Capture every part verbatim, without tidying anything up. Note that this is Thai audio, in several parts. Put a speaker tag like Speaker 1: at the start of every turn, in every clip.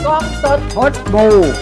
Speaker 1: กล้องสดพดบู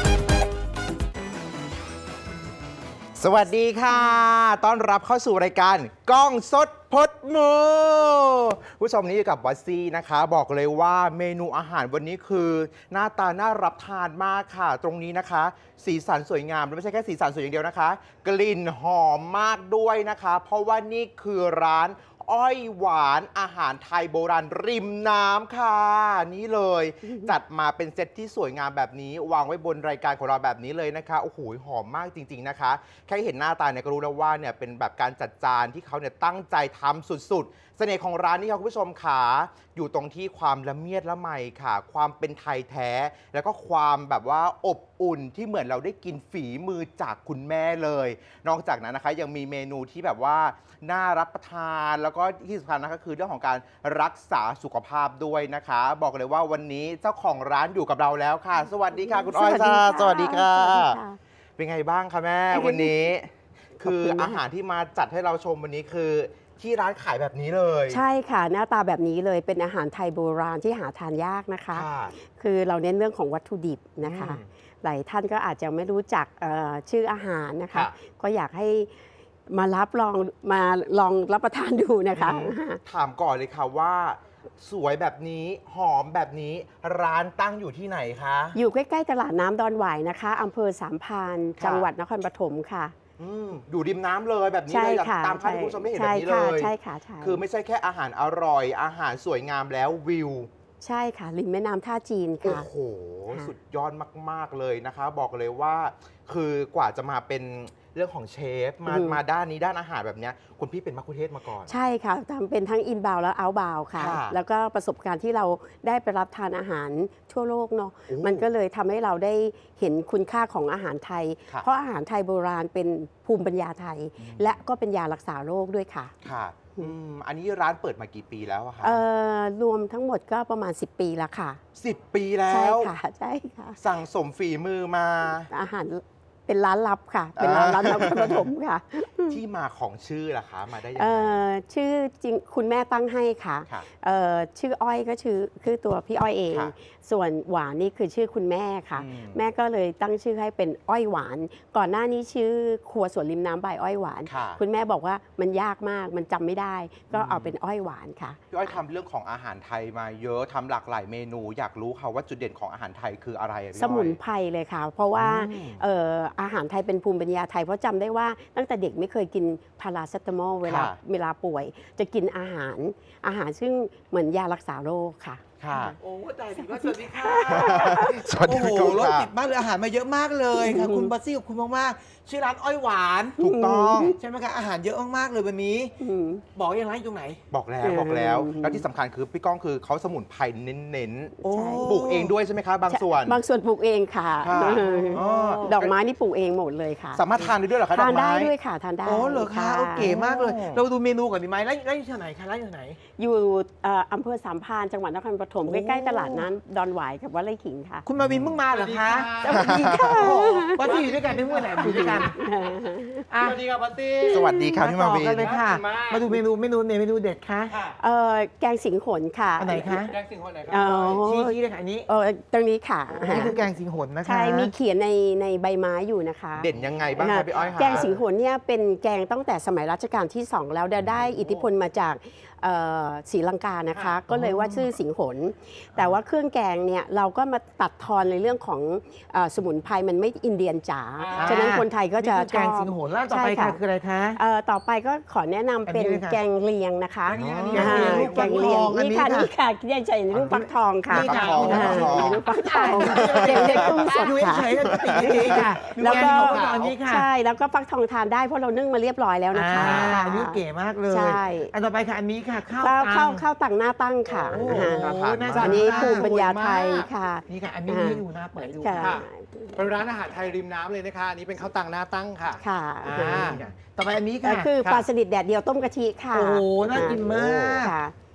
Speaker 1: สวัสดีค่ะต้อนรับเข้าสู่รายการกล้องสดพดมูผู้ชมนี้อยู่กับบอสซี่นะคะบอกเลยว่าเมนูอาหารวันนี้คือหน้าตาน่ารับทานมากค่ะตรงนี้นะคะ สีสันสวยงามและไม่ใช่แค่สีสันสวยอย่างเดียวนะคะกลิ่นหอมมากด้วยนะคะเพราะว่านี่คือร้านอ้อยหวานอาหารไทยโบราณริมน้ำค่ะนี่เลยจัดมาเป็นเซตที่สวยงามแบบนี้วางไว้บนรายการของเราแบบนี้เลยนะคะโอ้โหหอมมากจริงๆนะคะแค่เห็นหน้าตาเนี่ยก็รู้แล้วว่าเนี่ยเป็นแบบการจัดจานที่เขาเนี่ยตั้งใจทำสุดๆเสน่ห์ของร้านนี้ค่ะคุณผู้ชมขาอยู่ตรงที่ความละเมียดละไมค่ะความเป็นไทยแท้แล้วก็ความแบบว่าอบอุ่นที่เหมือนเราได้กินฝีมือจากคุณแม่เลยนอกจากนั้นนะคะยังมีเมนูที่แบบว่าน่ารับประทานแล้วก็ที่สำคัญนะคะคือเรื่องของการรักษาสุขภาพด้วยนะคะบอกเลยว่าวันนี้เจ้าของร้านอยู่กับเราแล้วค่ะสวัสดีค่ะคุณอ้อยจ้าสวัสดีค่ะเป็นไงบ้างคะแม่วันนี้คืออาหารที่มาจัดให้เราชมวันนี้คือที่ร้านขายแบบนี้เลย
Speaker 2: ใช่ค่ะหน้าตาแบบนี้เลยเป็นอาหารไทยโบราณที่หาทานยากนะคะคือเราเน้นเรื่องของวัตถุดิบนะคะหลายท่านก็อาจจะไม่รู้จักชื่ออาหารนะคะก็อยากให้มารับลองมาลองรับประทานดูนะคะ
Speaker 1: ถามก่อนเลยค่ะว่าสวยแบบนี้หอมแบบนี้ร้านตั้งอยู่ที่ไหนคะ
Speaker 2: อยู่ใกล้ๆตลาดน้ำดอนหวายนะคะอำเภอสามพรานจังหวัดนครปฐมค่ะ
Speaker 1: อยู่ริมน้ำเลยแบบนี้เลยตามภาพที่คุณผู้ชมได้เห็นแบบนี้เลย
Speaker 2: ใช่ค่ะใช่
Speaker 1: คือไม่ใช่แค่อาหารอร่อยอาหารสวยงามแล้ววิว
Speaker 2: ใช่ค่ะริมแม่น้ำท่าจีนค่ะ
Speaker 1: โอ้โหสุดยอดมากๆเลยนะคะบอกเลยว่าคือกว่าจะมาเป็นเรื่องของเชฟมามาด้านนี้ด้านอาหารแบบนี้คุณพี่เป็นมัคคุเทศก์มาก่อน
Speaker 2: ใช่ค่ะทำเป็นทั้งอินบาวและเอาท์บาวค่ะแล้วก็ประสบการณ์ที่เราได้ไปรับทานอาหารทั่วโลกเนาะมันก็เลยทำให้เราได้เห็นคุณค่าของอาหารไทยเพราะอาหารไทยโบราณเป็นภูมิปัญญาไทยและก็เป็นยารักษาโรคด้วยค่ะ
Speaker 1: ค่ะอันนี้ร้านเปิดมากี่ปีแล้วคะ
Speaker 2: รวมทั้งหมดก็ประมาณสิบปีแล้วค่ะ
Speaker 1: สิบปีแล้ว
Speaker 2: ใช่ค่ะใช่ค่ะ
Speaker 1: สั่งสมฝีมือมา
Speaker 2: อาหารเป็นร้านลับค่ะเป็นร้านร้านลับปฐมค่ะ
Speaker 1: ที่มาของชื่อล่ะคะมาได้ยังไง
Speaker 2: ชื่อจริงคุณแม่ตั้งให้ค่ะชื่ออ้อยก็ชื่อคือตัวพี่อ้อยเองส่วนหวานนี่คือชื่อคุณแม่ค่ะแม่ก็เลยตั้งชื่อให้เป็นอ้อยหวานก่อนหน้านี้ชื่อครัวสวนริมน้ำใบอ้อยหวานคุณแม่บอกว่ามันยากมากมันจำไม่ได้ก็เอาเป็นอ้อยหวานค่ะ
Speaker 1: พี่อ้อยทำเรื่องของอาหารไทยมาเยอะทำหลากหลายเมนูอยากรู้ค่ะว่าจุดเด่นของอาหารไทยคืออะไร
Speaker 2: สมุนไพรเลยค่ะเพราะว่าอาหารไทยเป็นภูมิปัญญาไทยเพราะจำได้ว่าตั้งแต่เด็กไม่เคยกินพาราเซตามอลเวลาเวลาป่วยจะกินอาหารอาหารซึ่งเหมือนยารักษาโรคค่ะ
Speaker 1: ค่ะ
Speaker 3: โอ้ได้ดีว่าสวัสดีค่ะ
Speaker 1: สวัสดี
Speaker 3: ค่ะโอ้โหรถติดมากเลยอาหารมาเยอะมากเลยค่ะคุณบัสซี่ขอบคุณมากๆชื่อร้านอ้อยหวาน
Speaker 1: ถูกต้อง
Speaker 3: ใช่ไหมคะอาหารเยอะมากๆเลยวันนี้บอกยังไงตรงไหน
Speaker 1: บอกแล้วบอกแล้วแล้วที่สำคัญคือพี่ก้องคือเขาสมุนไพรเน้นๆปลูกเองด้วยใช่ไหมคะบางส่วน
Speaker 2: บางส่วนปลูกเองค่ะดอกไม้นี่ปลูกเองหมดเลยค่ะ
Speaker 1: สามารถทานได้ด้วยเหรอคะ
Speaker 2: ทานได้ด้วยค่ะทานได้
Speaker 3: โอ้เหรอคะโอเคมากเลยเราดูเมนูก่อนดีไหมร้านร้านอยู่ที่ไหนคะร้านอยู่ไหน
Speaker 2: อยู่อำเภอสามพรานจังหวัดนครปฐมใกล้ๆตลาดน้ำดอนหวายกับวัดไร่ขิงค่ะ
Speaker 3: คุณมาวินเพิ่งมาเหรอคะ
Speaker 2: สวัสดีค่ะ
Speaker 3: บัสซี่อยู่ด้วยกันเมื่อไหร่อยู่ด้วยกัน
Speaker 1: สวัสดีครับบัสซี่สวัสดีครับพี่มาวิน
Speaker 3: เลยค่ะมาดูเมนูเมนูเมนูเด็ดค่ะ
Speaker 2: แกงสิงหนค่ะ
Speaker 3: อันไหนคะ
Speaker 1: แกงสิงหนไหน
Speaker 3: คะชี้ชี้เลยค่ะอันนี้
Speaker 2: ตรงนี้ค่ะ
Speaker 3: นี่คือแกงสิงหนนะคะ
Speaker 2: ใช่มีเขียนในในใบไม้อยู่นะคะ
Speaker 1: เด่นยังไงบ้างคะพี่อ้อยคะ
Speaker 2: แกงสิงหนเนี่ยเป็นแกงตั้งแต่สมัยรัชกาลที่สองแล้วได้อิทธิพลมาจากศรีลังกานะคะก็เลยว่าชื่อสิงหนแต่ว่าเครื่องแกงเนี่ยเราก็มาตัดทอนในเรื่องของสมุนไพรมันไม่อินเดียนจ๋าฉะนั้นคนไทยก็จะชอบ
Speaker 3: แกงสิงหนแล้วต่อไปค่ะคืออะไรคะ
Speaker 2: ต่อไปก็ขอแนะนำเป็นแกงเลียงนะคะ
Speaker 3: แกงเลียง
Speaker 2: นี่ค่ะนี่ค่ะที่ใส่รูปฟักทองค่ะรูปฟักทองเด็กๆกุ้งสดค่ะแล้วก็ใช่แล้วก็ฟักทองทานได้เพราะเรานึ่งมาเรียบร้อยแล้วนะคะ
Speaker 3: อันนี้เก๋มากเลยอันต่อไปค่ะอันนี้ค่ะข้าว
Speaker 2: ข้าวข้าวตังหน้าตั้งค่ะอันนี้ภูมิปัญญาไทยค่ะ
Speaker 3: นี่ค่ะอันนี้ให้ดูนะเปิดดูค่ะ
Speaker 1: เป็นร้านอาหารไทยริมน้ำเลยนะคะอันนี้เป็นข้าวตังหน้าตั้งค่ะ
Speaker 2: ค่ะ
Speaker 3: ต่อไปอันนี้ค่ะ
Speaker 2: คือปลาสลิดแดดเดียวต้มกะทิค่ะ
Speaker 3: โอ้น่ากินมาก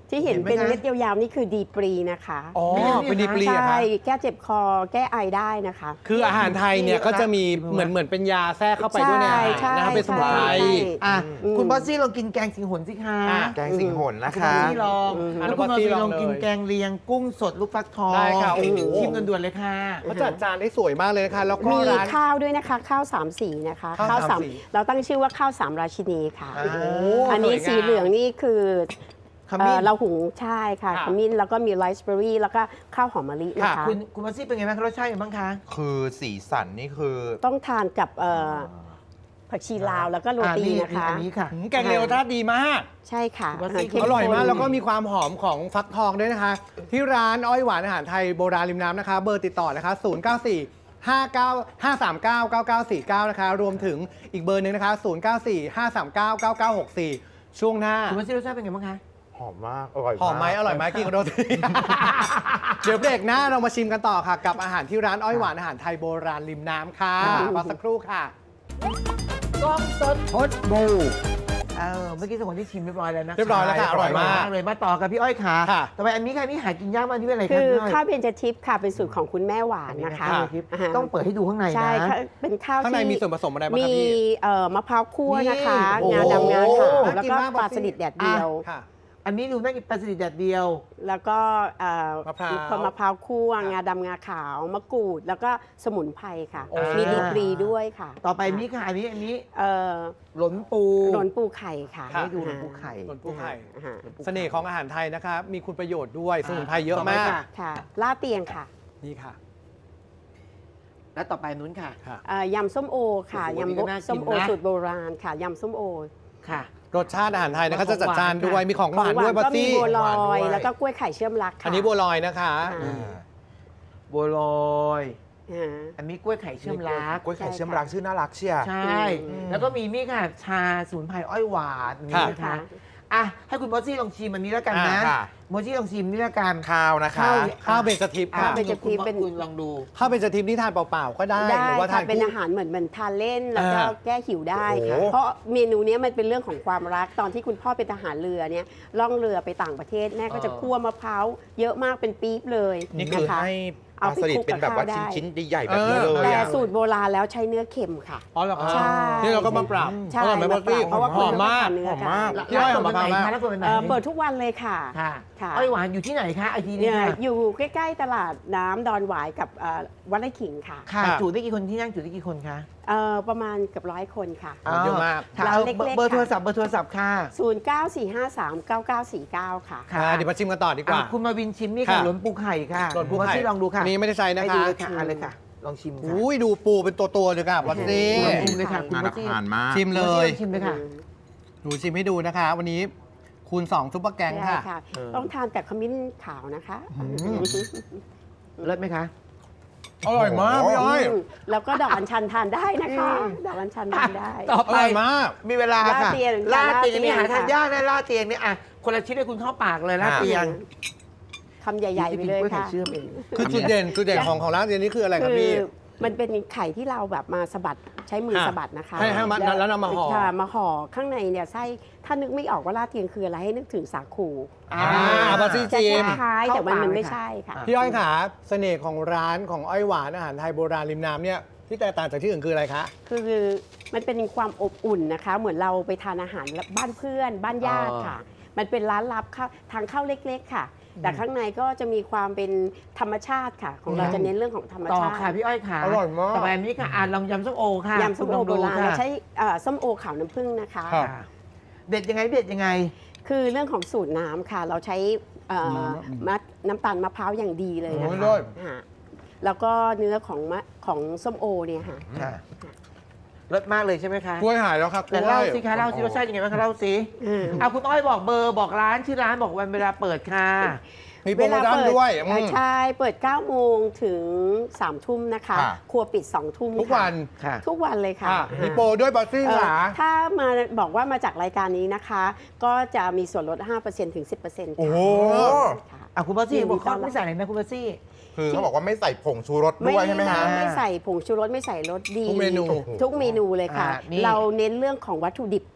Speaker 2: ที่เห็น
Speaker 3: เห็นไหม
Speaker 2: เป็น
Speaker 3: คะ
Speaker 2: เม็ดยาวๆนี่คือดีปรีนะคะ
Speaker 1: อ๋อ
Speaker 3: เป็นดีปรี
Speaker 1: เหรอ
Speaker 2: ใช่
Speaker 1: คะ
Speaker 2: แก้เจ็บคอแก้ไอได้นะคะ
Speaker 4: คืออาหารไทยเนี่ยก็จะมีเหมือนเหมือนเป็นยาแทรกเข้าไปด้วยในอาหาร
Speaker 2: ใช่
Speaker 4: นะครับเป็นสมุนไพร
Speaker 2: ใช่
Speaker 3: อ่ะ
Speaker 2: อืม
Speaker 3: คุณบอสซี่ลองกินแกงสิงหนสิคะ
Speaker 4: อ่ะ
Speaker 1: แกงสิงหนนะ
Speaker 3: คุณบ
Speaker 1: คะ
Speaker 3: อสซี่ลอง
Speaker 2: อืม
Speaker 3: แล้วคุณบอสซี่ลองกินแกงเลียงกุ้งสดลูกฟักทอง
Speaker 4: ได้ค่ะโอ้โห
Speaker 3: ชิมกันด่วนเลยค่ะ
Speaker 4: เขาจัดจานได้สวยมากเลยนะคะแล้วก็
Speaker 2: มี
Speaker 4: ร้าน
Speaker 2: ข้าวด้วยนะคะ ข้าวสามสีนะคะ
Speaker 4: ข้าวสามสี
Speaker 2: เราตั้งชื่อว่าข้าวสามราชินีค่ะ
Speaker 3: อ่า
Speaker 4: โอ้
Speaker 2: อันนี้
Speaker 4: สวยงาม
Speaker 2: สีเหลืองนี่คือ
Speaker 3: ขมิ้น
Speaker 2: เอ่อเราหุงใช่ค่ะ
Speaker 4: ค่ะ
Speaker 2: ขมิ้นแล้วก็มีไรซ์เบอร์รี่แล้วก็ข้าวหอมมะลินะคะ
Speaker 3: คุณคุณบอสซี่เป็นไงบ้างคะรสชาติเป็นไงบ้างคะ
Speaker 1: คือสีสันนี่คือ
Speaker 2: ต้องทานกับเอ่อผักชีลาวแล้วก็โรตี
Speaker 3: อ่า
Speaker 2: นะคะ
Speaker 3: อันนี้ค่ะ
Speaker 4: อืมแกงเร็วรสชาติดีมาก
Speaker 2: ใช่ค่ะ
Speaker 3: ว่าซี่
Speaker 2: เข้ม
Speaker 4: อร่อยมาก
Speaker 2: ข้น
Speaker 4: แล้วก็มีความหอมของฟักทองด้วยนะคะ ที่ร้านอ้อยหวานอาหารไทยโบราณริมน้ำนะคะ เบอร์ติดต่อนะคะ ศูนย์ เก้า สี่ ห้า เก้า ห้า สาม เก้า เก้า เก้า สี่ เก้า นะคะ รวมถึงอีกเบอร์หนึ่งนะคะ ศูนย์ เก้า สี่ ห้า สาม เก้า เก้า เก้า หก สี่ ช่วงหน้า
Speaker 3: คุณบอสซี่รสชาติเป็นไงบ้างคะ
Speaker 1: หอมมาก อร่อย
Speaker 4: หอมไหมอร่อยไหมกินกับโรตี เดี๋ยวเบรกหน้าเรามาชิมกันต่อค่ะ กับอาหารที่ร้านอ้อยหวานอาหารไทยโบราณริมน้ำค่ะ
Speaker 3: ค่ะ
Speaker 4: รอสักครู่ค่ะ
Speaker 3: กล้องสด
Speaker 4: พดบู
Speaker 3: เออเมื่อกี้สมองที่ชิมเรียบร้อยแล้วนะ
Speaker 4: เรียบร้อยแล้วค่ะอร่อยมาก
Speaker 3: เลยมาต่อกับพี่อ้อยขา
Speaker 4: ค่ะ
Speaker 3: ต่อไปอันนี้ค่ะนี่หากินยากมากที่เป็นอะไร
Speaker 2: คื
Speaker 3: คะ
Speaker 2: อ
Speaker 3: พี่อ้อย
Speaker 2: ข้าวเบญจทิพย์ค่ะเป็นสูตรของคุณแม่หวานนะคะ
Speaker 3: อัทิพย์
Speaker 2: าฮะ
Speaker 3: ต้องเปิดให้ดูข้างในนะ
Speaker 2: ใช่ค่ะเป็นข้าว
Speaker 4: ข้างใน
Speaker 2: ที่
Speaker 4: มีส่วนผสมอะไรบ้าง
Speaker 2: มี
Speaker 4: ครับพี่
Speaker 2: เอ่อมะพร้าวคั่วนะคะ
Speaker 3: นี่
Speaker 2: งาดำงาขาว
Speaker 3: โอ้โห
Speaker 2: แล้วก็
Speaker 4: น่ากินมาก
Speaker 2: ปลา
Speaker 4: บอสซี่
Speaker 2: สลิดแดดเดียว
Speaker 4: ค่ะ
Speaker 3: อันนี้ดูน่ากินปลาสลิดแดดเดียว
Speaker 2: แล้วก็เอ่อ
Speaker 4: มะพร้าว
Speaker 2: คนมะพร้าวคั่ว
Speaker 4: ค่ะ
Speaker 2: งาดำงาขาวมะกรูด แล้วก็สมุนไพรค่ะ
Speaker 4: โอ้
Speaker 2: มีดีกรีด้วยค่ะ
Speaker 3: ต่อไปนี่ค่ะอันนี้อันนี้
Speaker 2: เอ่อ
Speaker 3: หลนปู
Speaker 2: หลนปูไข่ค่ะ
Speaker 4: ค่ะ
Speaker 3: ให้ดูหลนปูไข่
Speaker 4: ส่วนผู้ไข่
Speaker 2: อ่าฮะ
Speaker 4: เสน่ห์ของอาหารไทยนะคะ มีคุณประโยชน์ด้วย สมุนไพรเยอะ
Speaker 3: ต่อไป
Speaker 4: มาก
Speaker 3: ค่ะ
Speaker 2: ค่ะล่าดเตียงค่ะ
Speaker 4: นี่ค่ะ
Speaker 3: และต่อไปนู้นค่ะ
Speaker 4: ค่ะ
Speaker 2: เอ่อยำส้มโอค่ะ
Speaker 3: โอ้โหนี่
Speaker 2: ยำ
Speaker 3: ก็น่ากิน
Speaker 2: ส้มโอ
Speaker 3: นะ
Speaker 2: สูตรโบราณค่ะยำส้มโอ
Speaker 3: ค่ะ
Speaker 4: รสชาติอาหารไทยนะคะ
Speaker 3: ของ
Speaker 4: จะจัดจาน
Speaker 3: หวาน
Speaker 4: ด้วย
Speaker 3: ค่ะ
Speaker 4: มีของหวานด้วยบัต
Speaker 2: ก็มี
Speaker 4: ตี้
Speaker 2: บัวล
Speaker 1: หวานด้
Speaker 2: อ
Speaker 1: วย
Speaker 2: ย แล้วก็กล้วยไข่เชื่อมรักค่ะ
Speaker 4: อันนี้บัวลอยนะคะ
Speaker 2: อ่า
Speaker 1: อ่า
Speaker 3: บัวลอย
Speaker 2: อ่า
Speaker 3: อันนี้กล้วยไข่เชื่อมรัก
Speaker 1: กล้วยไข่เชื่อมรักชื่อน่ารักเชียร์
Speaker 3: ใช่
Speaker 2: อืม
Speaker 3: แล้วก็มีนี่ค่ะ ชาสมุนไพรอ้อยหวานนี่นะคะ อ่ะให้คุณบอสซี่ลองชิมอันนี้แล้วกันนะ
Speaker 1: อ่าค่ะ
Speaker 3: บอสซี่ลองชิมนี่แล้วกัน
Speaker 1: ข้าวนะคะ
Speaker 3: ข้าว
Speaker 4: ข้าวเบญจทิพย์
Speaker 3: อ่ะ
Speaker 4: ค่ะ
Speaker 2: เบญจทิพย์เป็น
Speaker 3: คุณลองดู
Speaker 4: ข้าวเบญจทิพย์นี่ทานเปล่าๆก็ได้
Speaker 2: ได้
Speaker 4: หรือว่าทา
Speaker 2: ค่ะ
Speaker 4: น
Speaker 2: เป็น
Speaker 4: คู่
Speaker 2: อาหารเหมือนเหมือนทานเล่นแล้วก็
Speaker 4: อ่า
Speaker 2: แก้หิวได้ค่ะ
Speaker 1: โอ้โห
Speaker 2: เพราะเมนูเนี้ยมันเป็นเรื่องของความรักตอนที่คุณพ่อเป็นทหารเรือเนี่ยล่องเรือไปต่างประเทศแม่ก็จะ
Speaker 3: เออ
Speaker 2: คั่วมะพร้าวเยอะมากเป็นปี๊บเลย
Speaker 1: นี่คือ
Speaker 2: นะคะ
Speaker 1: ให้ป
Speaker 2: เอา
Speaker 1: ลา
Speaker 2: ไป
Speaker 1: สลิด
Speaker 2: คลุก
Speaker 1: เป็นแบบว่า
Speaker 2: กับข้าวได้
Speaker 1: ชิ้นๆใหญ่ๆแบบนี้เลย
Speaker 2: แต่
Speaker 1: อะ
Speaker 2: สูตรโบราณแล้วใช้เนื้อเค็มค่ะ
Speaker 4: อ๋อเหรอคะ
Speaker 2: ใช่
Speaker 4: นี่เราก็มาปรับ
Speaker 2: ใช่
Speaker 4: อร่อยไหมบัตตี้
Speaker 2: เพราะว่า
Speaker 4: ห
Speaker 2: คุณ
Speaker 4: อมมาก
Speaker 2: ไทนเนื้อ
Speaker 1: หอมมาก
Speaker 2: ค่ะ
Speaker 4: พี่อ้อย
Speaker 3: ร้านเปิดวันไหน
Speaker 4: หอมมาก
Speaker 3: คะร้านเปิดวันไหน
Speaker 2: เอ่อเปิดทุกวันเลยค่ะ
Speaker 3: ค่ะ
Speaker 2: ค่ะ
Speaker 3: อ้อยหวานอยู่ที่ไหนคะไอทีนี้
Speaker 2: เนี่ย
Speaker 3: ค่ะ
Speaker 2: อยู่ใกล้ๆตลาดน้ำดอนหวายกับเอ่อวัดไร่ขิงค่ะ
Speaker 3: ค่ะ
Speaker 4: ค่ะ
Speaker 3: จุได้กี่คนที่นั่งจุได้กี่คนคะ
Speaker 2: เอ่อประมาณเกับร้อยคนค่ะ
Speaker 4: เยอะมาก
Speaker 3: ค่ะ
Speaker 2: ร้าน
Speaker 3: เอา
Speaker 2: เล็กๆ
Speaker 3: เบอร์
Speaker 2: ค่ะ
Speaker 3: โทรศัพท์เบอร์โทรศัพท์ค่ะ
Speaker 2: ศูนย์ เก้า สี่ ห้า สาม เก้า เก้า สี่ เก้า ค่ะ
Speaker 3: ค่ะ
Speaker 4: อ่าเดี๋ยวมาชิมกันต่อดีกว่า
Speaker 3: อ่ะคุณมาวินชิมนี่ค่ะ
Speaker 4: ค่ะ
Speaker 3: หลนปูไข่ค่ะ
Speaker 4: หล่นปู
Speaker 3: คุณบอส
Speaker 4: ไข่
Speaker 3: ซี่ลองดูค่ะ
Speaker 4: อันนี้ไม่ได้ใช้นะ
Speaker 3: ให้
Speaker 4: คะ
Speaker 3: ดูเลยค่ะเอะไรค่ะ ลองชิมค่ะ
Speaker 4: อุ้ยดูปูเป็นตัวๆเลยค่ะบัตตี้
Speaker 3: ลองชิมเลยค่ะคุณ
Speaker 1: น่า
Speaker 3: บอ
Speaker 1: รั
Speaker 3: ส
Speaker 1: ก
Speaker 3: ซี่
Speaker 1: ทานมาก
Speaker 4: ชิมเลย
Speaker 3: คุณบอสซี่ลองชิมเลยค่ะ
Speaker 4: หนูชิมให้ดูนะคะ วันนี้คูณสองซุปเปอร์แกง
Speaker 2: ได้
Speaker 4: ค่ะ
Speaker 2: ค่ะ
Speaker 3: เออ
Speaker 2: ต้องทานแต่ขมิ้นขาวนะคะ
Speaker 3: เลิศไหมคะ
Speaker 4: อร่อยมากพี่อ้อย
Speaker 2: อืมแล้วก็ดอกอัญชันทานได้นะคะ ดอกอัญชันทานได้
Speaker 3: ต่อ
Speaker 4: อ
Speaker 3: ไป
Speaker 4: ร่อยมาก
Speaker 3: มีเวลา
Speaker 2: ลาด
Speaker 3: ค่ะ
Speaker 2: เตียง
Speaker 3: ลาดเตียง
Speaker 2: ลาดเตียง
Speaker 3: นี่หาทาน
Speaker 2: ค่ะ
Speaker 3: ยากนะลาดเตียงเนี่ยอ่ะคนละชิ้นให้คุณเข้าปากเลยลาด
Speaker 1: อ่ะ
Speaker 3: เตียง
Speaker 2: คำใหญ่ ๆ ไปเลย
Speaker 3: กวไข่
Speaker 2: ค่ะ
Speaker 3: เชื่อมเอง
Speaker 4: คือจุดเด่นจุดเด่นของของร้านเรียนนี้คืออะไรครับ
Speaker 2: คื
Speaker 4: พี่
Speaker 2: มันเป็นไข่ที่เราแบบมาสะบัดใช้มือ
Speaker 4: ค่ะ
Speaker 2: สะบัดนะคะ
Speaker 4: ให้ให้มันแล้วนำมาห่อ
Speaker 2: ค่ะมาห่อข้างในเนี่ยไส้ถ้านึกไม่ออกว่าลาดเตียงคืออะไรให้นึกถึงสาคู
Speaker 3: อ่า
Speaker 4: อ่าบัตตี้
Speaker 2: จะ
Speaker 4: จิม
Speaker 2: คล้ายๆแต่มัน
Speaker 3: เข้าปาก
Speaker 2: มันไม่
Speaker 3: เลยค่ะ
Speaker 2: ใช่ค่ะ
Speaker 3: อ่ะ
Speaker 4: พี่อ้อยขาเสน่ห์ของร้านของอ้อยหวานอาหารไทยโบราณริมน้ำเนี่ยที่แตกต่างจากที่อื่นคืออะไรคะ
Speaker 2: คือมันเป็นความอบอุ่นนะคะ เหมือนเราไปทานอาหารบ้านเพื่อนบ้านญาติค่ะ มันเป็นร้านลับเข้าทางเข้าเล็กๆค่ะ แต่ข้างในก็จะมีความเป็นธรรมชาติค่ะ ของเราจะเน้นเรื่องของธรรม
Speaker 3: ต่อ
Speaker 2: ชาติ
Speaker 3: ค่ะพี่อ้อยค่ะ
Speaker 4: อร่อยมาก
Speaker 3: ต่อไปอันนี้ค่ะอ่านลองยำส้มโอค่ะ
Speaker 2: ยำส้มโอ
Speaker 3: คุณลง
Speaker 2: โบ
Speaker 3: ดู
Speaker 2: ราณ
Speaker 3: ค่ะ
Speaker 2: เราใช้เอ่อส้มโอขาวน้ำผึ้งนะคะ
Speaker 4: ครับ
Speaker 3: ค่ะเด็ดยังไงเด็ดยังไง
Speaker 2: คือเรื่องของสูตรน้ำค่ะ เราใช้เอ่อมัดน้ำตาลมะพร้าวอย่างดีเลยนะ
Speaker 4: โอ้ย
Speaker 2: คะ
Speaker 4: เลิศ
Speaker 2: ค่ะแล้วก็เนื้อของมะของส้มโอเนี่ยค่ะ
Speaker 3: ค่ะเลิศมากเลยใช่ไหมคะ
Speaker 4: กล้วยหายแล้วค่ะกล้
Speaker 3: แต่
Speaker 4: วย
Speaker 3: เล่าสิคะเล่าสิรสชาติยังไงบ้างคะเล่าสิ
Speaker 2: อืม
Speaker 3: อ่ะคุณอ้อยบอกเบอร์บอกร้านชื่อร้านบอกวันเวลาเปิดค่ะ
Speaker 4: มีโปรโมชั่นด้วยอื
Speaker 2: อ่าม ใช่เปิด เก้า โมงถึง สาม ทุ่มนะคะ
Speaker 1: ค่ะ
Speaker 2: ครัวปิด สอง ทุ่ม
Speaker 4: ทุกวัน
Speaker 3: ค่ะ
Speaker 2: ทุกวันเลยค่ะ
Speaker 4: อ่ะมีโปรด้วยบัตตี้
Speaker 2: เอ่อ
Speaker 4: ค่ะ
Speaker 2: ถ้ามาบอกว่ามาจากรายการนี้นะคะ ก็จะมีส่วนลด ห้าเปอร์เซ็นต์ ถึง สิบเปอร์เซ็นต์
Speaker 1: โอ้
Speaker 2: ค่ะ
Speaker 1: โห
Speaker 2: ค่ะ
Speaker 3: อ่ะคุณบอสซี่
Speaker 2: ยินดี
Speaker 3: บอก
Speaker 2: ต้
Speaker 3: ว่า
Speaker 2: อนรับ
Speaker 3: ไม่ใส่อะไรนะคุณบอสซี่
Speaker 1: คือเขาบอกว่าไม่ใส่ผงชูรสด้วยใช่ไหมฮะ
Speaker 2: ไม่ใส่ผงชูรสไม่ใส่รสดี
Speaker 4: ทุกเมนู
Speaker 2: ทุกเมนูเลยค่ะ
Speaker 3: อ่านี่
Speaker 2: เราเน้นเรื่องของวัตถุดิบ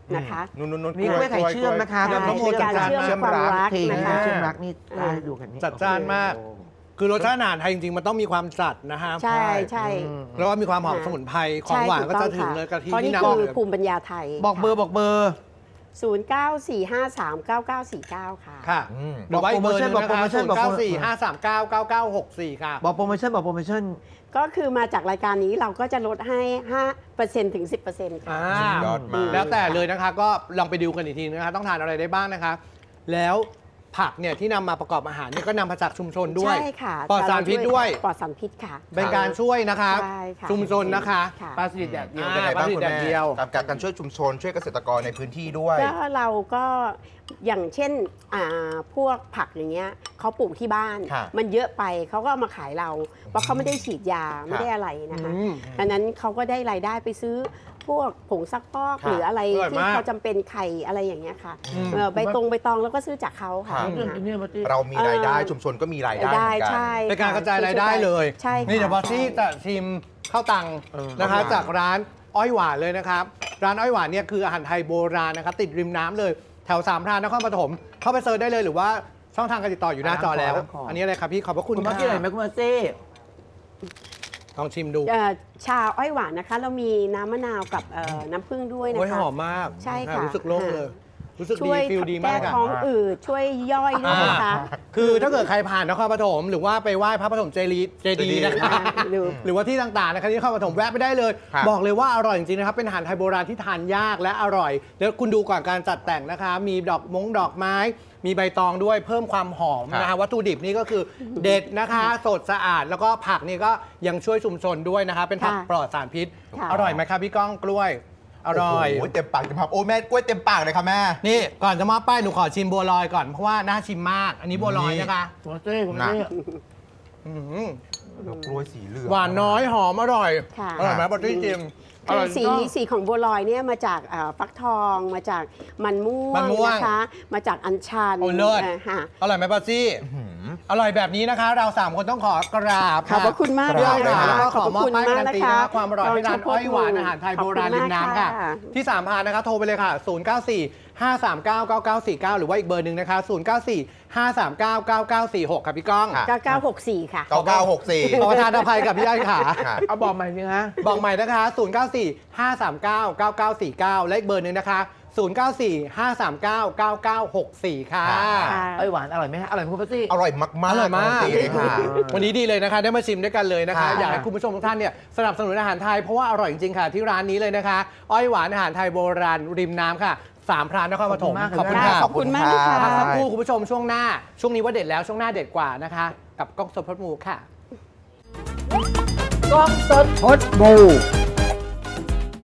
Speaker 2: นะคะ
Speaker 1: นุ่นนุ่นนุ่น
Speaker 3: นี่กล้วยไข่เชื่อมนะคะ
Speaker 2: ใช่
Speaker 3: น้ำโม
Speaker 2: เป็นการ
Speaker 3: จัด
Speaker 2: เชื่อม
Speaker 3: เชื่อม
Speaker 2: ความ
Speaker 3: รัก
Speaker 2: รัก
Speaker 3: เพลง
Speaker 2: นะคะ
Speaker 3: เชื่อมรักนี่ได้ดูกันนี่
Speaker 4: จัดจ้านมาก คือรสชาติอาหารไทยจริงๆ มันต้องมีความจัดนะฮะ
Speaker 2: ใช่ใช่
Speaker 3: อืม
Speaker 4: แล้วก็มีความหอม
Speaker 2: ค่ะ
Speaker 4: สมุนไพรของหวานก็จะถึงเลยกะทิ
Speaker 2: เพราะ
Speaker 4: ที่
Speaker 2: นี่
Speaker 4: นำ
Speaker 2: คือ
Speaker 4: เลย
Speaker 2: ภูมิปัญญาไทย
Speaker 3: บอกเบอร์บอกเบอร์
Speaker 2: ศูนย์ เก้า สี่ ห้า สาม เก้า เก้า สี่ เก้า ค่ะ
Speaker 4: ค่ะ
Speaker 1: อืม
Speaker 4: หรือว่าอีกเบอร์หนึง
Speaker 3: บอก
Speaker 4: นะ
Speaker 3: โปร
Speaker 4: คะ
Speaker 3: โมชั่
Speaker 4: ศู
Speaker 3: น
Speaker 4: น
Speaker 3: บอก
Speaker 4: ย์
Speaker 3: โปร
Speaker 4: เก้า
Speaker 3: โมชั่น
Speaker 4: สี่ ห้าสามเก้า เก้าเก้าหกสี่ค่ะ
Speaker 3: บอกโปรโมชั่นบอกโปรโมชั่น
Speaker 2: ก็คือมาจากรายการนี้เราก็จะลดให้ ห้าเปอร์เซ็นต์ ถึง สิบเปอร์เซ็นต์ ค่ะ
Speaker 4: อ่า
Speaker 1: สุดยอดมาก
Speaker 4: แล้วแต่เลยนะคะ ก็ลองไปดูกันอีกทีนะคะ ต้องทานอะไรได้บ้างนะคะ แล้วผักเนี่ยที่นำมาประกอบอาหารเนี่ยก็นำมาจากชุมชนด้วย
Speaker 2: ใช่ค่ะ
Speaker 4: ปลอดสารพิษด้วย
Speaker 2: ปลอดสารพิษค่ะ
Speaker 4: เป็นการช่วยนะคะ
Speaker 2: ใช่ค่ะ
Speaker 4: ชุมชนนะคะ
Speaker 2: ค่ะ
Speaker 3: ปลาสลิดแดดเดียว
Speaker 4: อ่า
Speaker 1: เป็นไงบ้าง
Speaker 4: ปลาสลิด
Speaker 1: คุณ
Speaker 4: แด
Speaker 1: แม่
Speaker 4: ดเดียว
Speaker 1: กับการช่วยชุมชนช่วยเกษตรกรในพื้นที่ด้วย
Speaker 2: ก็เราก็อย่างเช่นอ่าพวกผักอย่างเงี้ยเขาปลูกที่บ้าน
Speaker 1: ค่ะ
Speaker 2: มันเยอะไปเขาก็เอามาขายเรา เพราะเขาไม่ได้ฉีดยาไม่ได้อะไรนะคะ
Speaker 4: อืม
Speaker 2: ดังนั้นเขาก็ได้รายได้ไปซื้อพวกผงซักฟอก
Speaker 1: ค่ะ
Speaker 2: หรืออะไร
Speaker 4: อร่อย
Speaker 2: ที่
Speaker 4: มาก
Speaker 2: เขาจำเป็นไข่อะไรอย่างเงี้ยค่ะ
Speaker 4: อืม
Speaker 2: เออใบตรงใบตองแล้วก็ซื้อจากเขาค่ะ
Speaker 1: ค่ะ
Speaker 3: เรื่องนี้มาที่
Speaker 1: เรามีรายได้
Speaker 2: เอ่อ
Speaker 1: ชุมชนก็มีรายได้เหมื
Speaker 2: ได้
Speaker 1: อนกัน
Speaker 2: ใช่
Speaker 4: เป็นการ
Speaker 2: ค่
Speaker 4: กระจายรายได้เลย
Speaker 2: ใช่ค่ะ
Speaker 4: นี่เดี๋ยวบอสซี่
Speaker 2: ใช่
Speaker 4: จะชิมข้าวตัง
Speaker 3: เออ
Speaker 4: นะคะ
Speaker 1: ข้าวตัง
Speaker 4: จากร้านอ้อยหวานเลยนะครับ ร้านอ้อยหวานเนี่ยคืออาหารไทยโบราณนะครับติดริมน้ำเลย แถวสามพรานนครปฐมเข้าไปเซิร์ชได้เลยหรือว่าช่องทางการติดต่ออยู่หน้าจอแล้ว
Speaker 3: ร้านขอ
Speaker 4: อันนี้อะไรครับพี่ขอบพระคุณ
Speaker 3: คุณมา
Speaker 4: ค่ะ
Speaker 3: ที่ไหนไหมคุณมาซี่
Speaker 4: ลองชิมดู
Speaker 2: เอ่อชาอ้อยหวานนะคะ เรามีน้ำมะนาวกับเอ่อน้ำผึ้งด้วยนะ
Speaker 4: โอ้ย
Speaker 2: คะ
Speaker 4: หอมมาก
Speaker 2: ใช่ค่ะ
Speaker 4: รู้สึกโล่งเลย รู้สึก
Speaker 2: ช่
Speaker 4: ดี
Speaker 2: วย
Speaker 4: ฟิลดี
Speaker 2: แก้
Speaker 4: มากอะ
Speaker 2: ท้องอืดช่วยย่อยด้วยนะคะ
Speaker 4: คือถ้าเกิดใครผ่านนครปฐมหรือว่าไปไหว้พระปฐมเจดีย์เจดีย์นะคะ
Speaker 2: หรือ
Speaker 4: หรือว่าที่ต่างๆนะครับที่นครปฐมแวะไปได้เลย
Speaker 1: ครับ
Speaker 4: บอกเลยว่าอร่อยจริงๆนะครับ เป็นอาหารไทยโบราณที่ทานยากและอร่อย แล้วคุณดูก่อนการจัดแต่งนะคะ มีดอกมงดอกไม้ มีใบตองด้วยเพิ่มความหอมนะคะวัตถุดิบนี่ก็คือเด็ดนะคะ สดสะอาดแล้วก็ผักนี่ก็ยังช่วยชุมชนด้วยนะคะ เป็นผัก
Speaker 2: ค่ะ
Speaker 4: ปลอดสารพิษ
Speaker 2: ค่ะ
Speaker 4: อร่อยไหมครับพี่ก้องกล้วย อร่อย
Speaker 1: โโหเต็มปากเต็มคำโอ้แม่กล้วยเต็มปากเลยค่ะแม่
Speaker 4: นี่ก่อนจะมอบป้ายหนูขอชิมบัวลอยก่อนเพราะว่าน่าชิมมาก อันนี้บัวลอยนะคะ
Speaker 3: คุณมาซี่คุณมาซี่
Speaker 4: อื้อหือ
Speaker 1: แล้วกล้วยสีเหลือง
Speaker 4: หวานน้อยหอมอร่อย
Speaker 2: ค่ะ
Speaker 4: อร่อยไหมบัตตี้จิม
Speaker 2: คือสีสีของบัวลอยเนี่ยมาจากเอ่อฟักทองมาจากมันม่ว
Speaker 4: มัน
Speaker 2: ง
Speaker 4: ม่วง
Speaker 2: นะคะ มาจากอัญชัน
Speaker 4: โอ้เลิศ
Speaker 2: อ่อค่ะ
Speaker 4: อร่อยไหมป้าซี่
Speaker 1: หืม
Speaker 4: อร่อยแบบนี้นะคะ เราสามคนต้องขอกราบ
Speaker 2: ขอบพระคุณมาก
Speaker 1: ครั
Speaker 2: เล
Speaker 1: บ
Speaker 2: ย
Speaker 4: ค่ะ
Speaker 2: ค่ะ
Speaker 4: แล้วก็ขอ
Speaker 2: พระ
Speaker 4: มอบ
Speaker 2: คุณ
Speaker 4: ป้ายการันตี
Speaker 2: ม
Speaker 4: นะ
Speaker 2: ก
Speaker 4: คะความอร่อยที่ร้านอ้อยหวานอาหารไทยโบราณริมน้ำค่ะ
Speaker 2: ขอบคุณมากค่ะ
Speaker 4: ที่สามพานนะคะโทรไปเลยค่ะ ศูนย์ เก้า สี่ ห้า สาม เก้า เก้า เก้า สี่ เก้า หรือว่าอีกเบอร์หนึ่งนะคะ ศูนย์ เก้า สี่ ห้า สาม เก้า เก้า เก้า สี่ หกค่ะพี่ก้อง
Speaker 1: ค่ะ
Speaker 2: เก้าเก้าหกสี่ค่ะ
Speaker 1: เก้าเก้าหกสี่
Speaker 4: ขอประทานอภัยกับพี่อ้อยค่ะ
Speaker 1: ค่ะ
Speaker 3: เอาบอกใหม่สิฮะ
Speaker 4: บอกใหม่นะคะ ศูนย์ เก้า สี่ ห้า สาม เก้า เก้า เก้า สี่ เก้า และอีกเบอร์หนึ่งนะคะ ศูนย์ เก้า สี่ ห้า สาม เก้า เก้า เก้า หก สี่ ค่ะ
Speaker 1: ค่ะ
Speaker 2: ค่ะ
Speaker 3: ไอยหวานอร่อยไหมฮะอร่อยไหมคุณมาซี่
Speaker 1: อร่อยมากๆ
Speaker 4: อร่อยมาก
Speaker 1: รนตีเลยค่ะ
Speaker 4: วันนี้ดีเลยนะคะ ได้มาชิมด้วยกันเลยนะคะ
Speaker 1: ค่ะ
Speaker 4: อยากให้คุณผู้ชมทุกท่านเนี่ยสนับสนุนอาหารไทยเพราะว่าอร่อยจริงๆค่ะ ที่ร้านนี้เลยนะคะ อ้อยหวานอาหารไทยโบราณริมน้ำค่ะ สามพรานนครปฐม
Speaker 3: ขอบคุณมาก
Speaker 4: ค่ะ
Speaker 2: ขอบคุณมากเลยค่ะ
Speaker 4: พักสักครู่คุณผู้ชมช่วงหน้า ช่วงนี้ว่าเด็ดแล้วช่วงหน้าเด็ดกว่านะคะ กับกล้องสดพดมูค่ะ
Speaker 3: กล้องสด
Speaker 5: พดบู